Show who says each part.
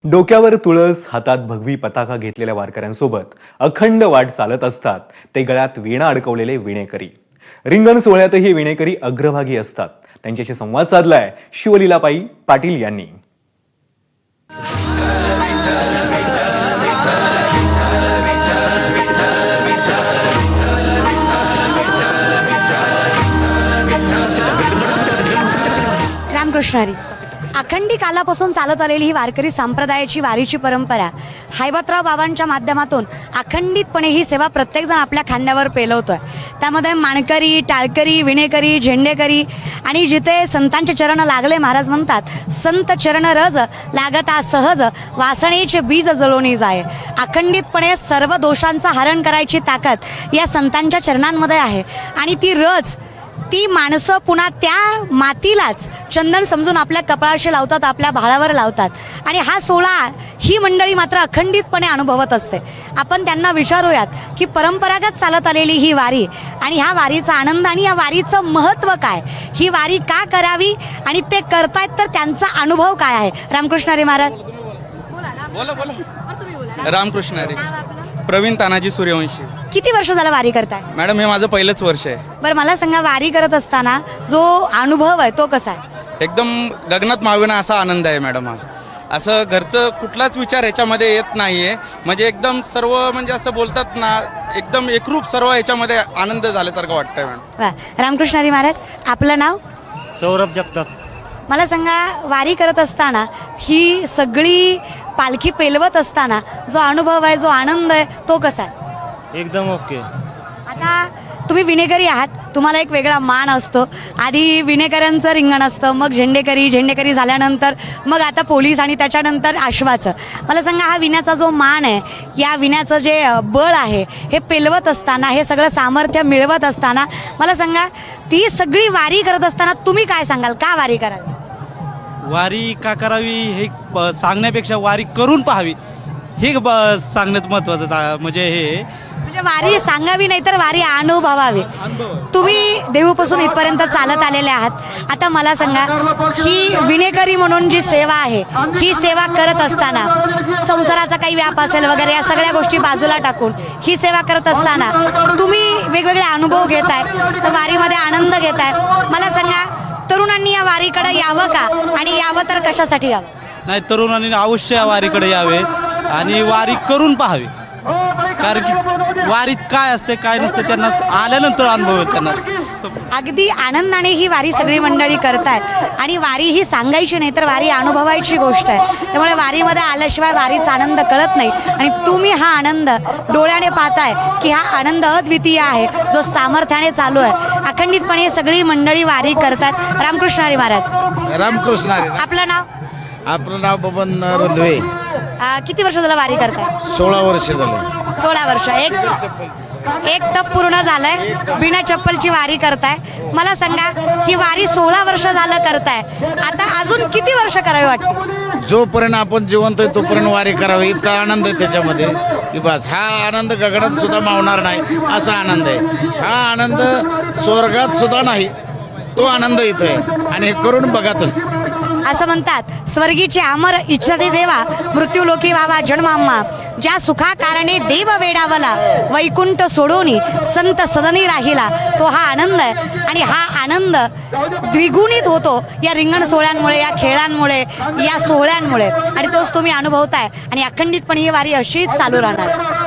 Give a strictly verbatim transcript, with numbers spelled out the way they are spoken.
Speaker 1: डोक्यावर तुळस, हातात भगवी पताका घेतलेल्या वारकऱ्यांसोबत अखंड वाट चालत असतात ते गळ्यात वीणा अडकवलेले विणेकरी. रिंगण सोहळ्यातही विणेकरी अग्रभागी असतात. त्यांच्याशी संवाद साधलाय शिवलीलाबाई पाटील यांनी.
Speaker 2: रामकृष्ण हरी. अखंडी कालापासून चालत आलेली ही वारकरी संप्रदायाची वारीची परंपरा हैबतराव बाबांच्या माध्यमातून अखंडितपणे ही सेवा प्रत्येकजण आपल्या खांद्यावर पेलवतोय. त्यामध्ये माणकरी, टाळकरी, विणेकरी, झेंडेकरी आणि जिथे संतांचे चरण लागले, महाराज म्हणतात संत चरण रज लागता सहज वासनेचे बीज जळोनी जाय. अखंडितपणे सर्व दोषांचं हरण करायची ताकद या संतांच्या चरणांमध्ये आहे आणि ती रज ती माणसं पुन्हा त्या मातीलाच चंदन समजून आपल्या कपाळाशी लावतात, आपल्या भाळावर लावतात आणि हा सोहळा ही मंडळी मात्र अखंडितपणे अनुभवत असते. आपण त्यांना विचारूयात की परंपरागत चालत आलेली ही वारी आणि ह्या वारीचा आनंद आणि या वारीचं महत्त्व काय, ही वारी का करावी आणि ते करतायत तर त्यांचा अनुभव काय आहे. रामकृष्ण हरी महाराज.
Speaker 3: बोला बोला. रामकृष्ण हरी. प्रवीण तानाजी सूर्यवंशी.
Speaker 2: किती वर्ष झालं वारी करताय
Speaker 3: मॅडम? हे माझं पहिलंच वर्ष आहे.
Speaker 2: बरं, मला सांगा वारी करत असताना जो अनुभव आहे तो कसा आहे?
Speaker 3: एकदम गगनात मावेना असा आनंद आहे मॅडम. हा असं घरचं कुठलाच विचार ह्याच्यामध्ये येत नाहीये. म्हणजे एकदम सर्व म्हणजे असं बोलतात ना, एकदम एकरूप सर्व ह्याच्यामध्ये आनंद झाल्यासारखं वाटतंय मॅडम.
Speaker 2: वा. रामकृष्ण हरी महाराज. आपलं नाव?
Speaker 4: सौरभ जगताप.
Speaker 2: मला सांगा, वारी करत असताना ही सगळी पालखी पेलवत असताना जो अनुभव आहे, जो आनंद आहे तो कसा आहे?
Speaker 4: एकदम ओके.
Speaker 2: आता तुम्ही विणेकरी आहात, तुम्हाला एक वेगळा मान असतो. आधी विणेकऱ्यांचं रिंगण असतं, मग झेंडेकरी, झेंडेकरी झाल्यानंतर मग आता पोलीस आणि त्याच्यानंतर आश्वाचं. मला सांगा, हा विण्याचा जो मान आहे, या विण्याचं जे बळ आहे, हे पेलवत असताना, हे सगळं सामर्थ्य मिळवत असताना, मला सांगा ती सगळी वारी करत असताना तुम्ही काय सांगाल, का वारी करावी?
Speaker 4: वारी का करावी हे प- सांगण्यापेक्षा वारी करून पाहावी हे ब- सांगण्यात महत्वाचं ता- म्हणजे हे
Speaker 2: म्हणजे वारी सांगावी नाही तर वारी अनुभवावी.
Speaker 4: अनुभव.
Speaker 2: तुम्ही देहूपासून इथपर्यंत चालत आलेले आहात. आता मला सांगा, ही विणेकरी म्हणून जी सेवा आहे, ही सेवा करत असताना संसाराचा काही व्याप असेल वगैरे या सगळ्या गोष्टी बाजूला टाकून ही सेवा करत असताना तुम्ही वेगवेगळे अनुभव घेताय, तर वारीमध्ये आनंद घेताय. मला सांगा, तरुणांनी या वारीकडे यावं का आणि यावं तर कशासाठी यावं?
Speaker 4: नाही, तरुणांनी अवश्य या वारीकडे यावे आणि वारी करून पाहावी. कारण की वारीत काय असते काय नसते त्यांना आल्यानंतर अनुभव येईल त्यांना.
Speaker 2: अगदी आनंदाने ही वारी सगळी मंडळी करतायत आणि वारी ही सांगायची नाही तर वारी अनुभवायची गोष्ट आहे. त्यामुळे वारीमध्ये आल्याशिवाय वारीचा आनंद कळत नाही आणि तुम्ही हा आनंद डोळ्याने पाहताय की हा आनंद अद्वितीय आहे, जो सामर्थ्याने चालू आहे. अखंडितपणे सगळी मंडळी वारी करतात. रामकृष्ण हरी महाराज.
Speaker 5: रामकृष्ण हरी.
Speaker 2: आपलं नाव?
Speaker 5: आपलं नाव बबन रुंधवे.
Speaker 2: अं, किती वर्ष झालं वारी करताय?
Speaker 5: सोळा वर्ष झाले.
Speaker 2: सोळा वर्ष. एक एक तप पूर्ण झालंय, बिना चप्पलची वारी करताय. मला सांगा, ही वारी सोळा वर्ष झालं करताय, आता अजून किती वर्ष करावी वाटते?
Speaker 5: जोपर्यंत आपण जिवंत आहे तोपर्यंत वारी करावी. इतका आनंद आहे त्याच्यामध्ये की बस. हा आनंद गगनात सुद्धा मावणार नाही असा आनंद आहे. हा आनंद स्वर्गात सुद्धा नाही, तो आनंद इथं आहे आणि हे करून बघा तुम्ही.
Speaker 2: असं म्हणतात, स्वर्गीचे अमर इच्छते देवा, मृत्यू लोकी व्हावा जन्माम्मा. ज्या सुखा कारणे देव वेडावला, वैकुंठ सोडोनी संत सदनी राहिला. तो हा आनंद आहे आणि हा आनंद द्विगुणित होतो या रिंगण सोहळ्यांमुळे, या खेळांमुळे, या सोहळ्यांमुळे आणि तोच तुम्ही अनुभवताय आणि अखंडितपणे ही वारी अशीच चालू राहणार.